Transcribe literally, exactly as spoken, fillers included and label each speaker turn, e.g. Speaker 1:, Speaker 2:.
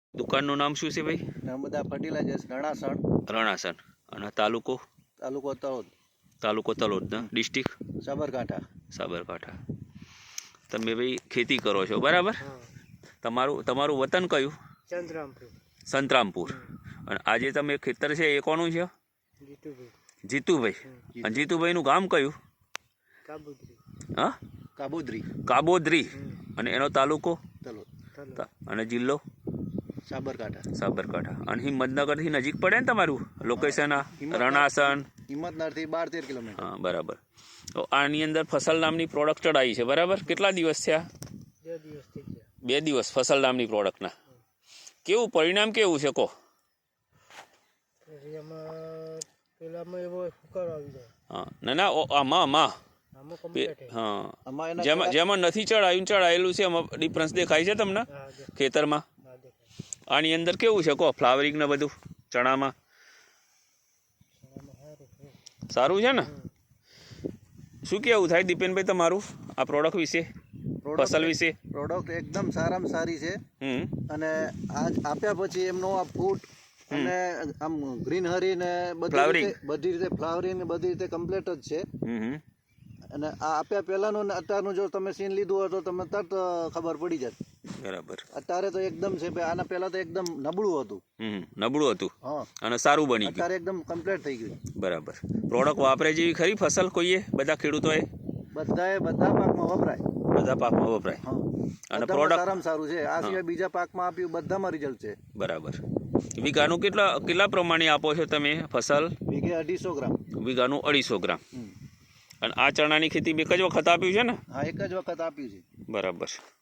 Speaker 1: દુકાનનું નામ શું છે ભાઈ?
Speaker 2: નર્મદા ફર્ટિલાઇઝર્સ રણાસણ.
Speaker 1: રણાસણ. અને તાલુકો?
Speaker 2: તાલુકો તળોદ.
Speaker 1: તાલુકો તલોદ ને ડિસ્ટ્રિક્ટ?
Speaker 2: સાબરકાંઠા.
Speaker 1: સાબરકાંઠા. તમે ભાઈ ખેતી કરો છો બરાબર? તમારું તમારું વતન કયું?
Speaker 3: સંતરામપુર.
Speaker 1: સંતરામપુર. અને આજે તમે ખેતર છે એ કોનું છે?
Speaker 3: જીતુભાઈ.
Speaker 1: જીતુભાઈ. અને જીતુભાઈનું ગામ કયું?
Speaker 3: કાબુદ્રી.
Speaker 1: હા,
Speaker 2: કાબોદરી.
Speaker 1: કાબોદરી. અને એનો તાલુકો?
Speaker 2: તલોદ.
Speaker 1: અને જિલ્લો?
Speaker 2: સાબરકાંઠા.
Speaker 1: સાબરકાંઠા. અને હિંમતનગરથી નજીક પડે ને તમારું લોકેશન? આ રણાસણ
Speaker 2: હિંમતનગરથી બાર તેર કિલોમીટર.
Speaker 1: હા બરાબર. તો આની અંદર ફસલ નામની પ્રોડક્ટ ચડાવી છે બરાબર? કેટલા દિવસ થયા?
Speaker 3: બે દિવસ થઈ ગયા.
Speaker 1: બે દિવસ ફસલ નામની પ્રોડક્ટના. કેવું પરિણામ કેવું છે કહો?
Speaker 3: પછી એમાં પેલામાં એવો હુકારો આવી જાય.
Speaker 1: હા ના ના ઓ- આમાં આમાં
Speaker 3: આમાં કમ્પ્લીટ.
Speaker 1: હા
Speaker 2: આમાં એના
Speaker 1: જેમાં જેમાં નથી ચડાયું ચડાયેલું છે એમાં ડિફરન્સ દેખાય છે તમને
Speaker 3: હા દેખાય.
Speaker 1: ખેતરમાં?
Speaker 3: હા દેખાય.
Speaker 1: આની અંદર કેવું છે કહો? ફ્લાવરિંગ ને બધું ચણામાં
Speaker 3: આમાં સારું છે.
Speaker 1: સારું છે ને? શું કેવું થાય દીપેનભાઈ તમારું આ પ્રોડક્ટ વિશે, ફસલ વિશે?
Speaker 2: પ્રોડક્ટ એકદમ સારામાં સારી છે.
Speaker 1: હમ
Speaker 2: અને આજ આપ્યા પછી એમનો આ ફૂટ અને આમ ગ્રીનહરી ને બધી
Speaker 1: Flowering.
Speaker 2: રીતે બધી રીતે ફ્લાવરિંગ ને બધી રીતે કમ્પ્લીટ જ છે.
Speaker 1: હમ હમ.
Speaker 2: અને આ આપ્યા પહેલાનું ને અત્યારનું જો તમે સીન લીધું હોય તો તમને તરત ખબર પડી જાય.
Speaker 1: બરાબર.
Speaker 2: અત્યારે તો એકદમ છે ભાઈ, આના પહેલા તો એકદમ નબળું હતું.
Speaker 1: હમ નબળું હતું
Speaker 2: હા,
Speaker 1: અને સારું બની ગયું.
Speaker 2: અત્યારે એકદમ કમ્પ્લીટ થઈ ગયું.
Speaker 1: બરાબર. પ્રોડક્ટ વાપરે જેવી ખરી ફસલ કોઈએ બધા ખેડૂતોએ?
Speaker 2: બધાએ બધા પાકમાં વપરાય.
Speaker 1: બધા પાકમાં વપરાય.
Speaker 2: હા,
Speaker 1: અને
Speaker 2: બધામાં
Speaker 1: પ્રોડક્ટ
Speaker 2: સારામાં સારું છે. આ સિવાય બીજા પાકમાં આપ્યું બધામાં રિઝલ્ટ છે.
Speaker 1: બરાબર. વીઘાનું કેટલા કેટલા પ્રમાણે આપો છો તમે ફસલ?
Speaker 2: વીઘે અઢીસો ગ્રામ.
Speaker 1: વીઘાનું અઢીસો ગ્રામ.
Speaker 2: હમ.
Speaker 1: અને આ ચણાની ખેતી એક જ વખત આપ્યું છે ને?
Speaker 2: હા, એક જ વખત આપ્યું છે.
Speaker 1: બરાબર.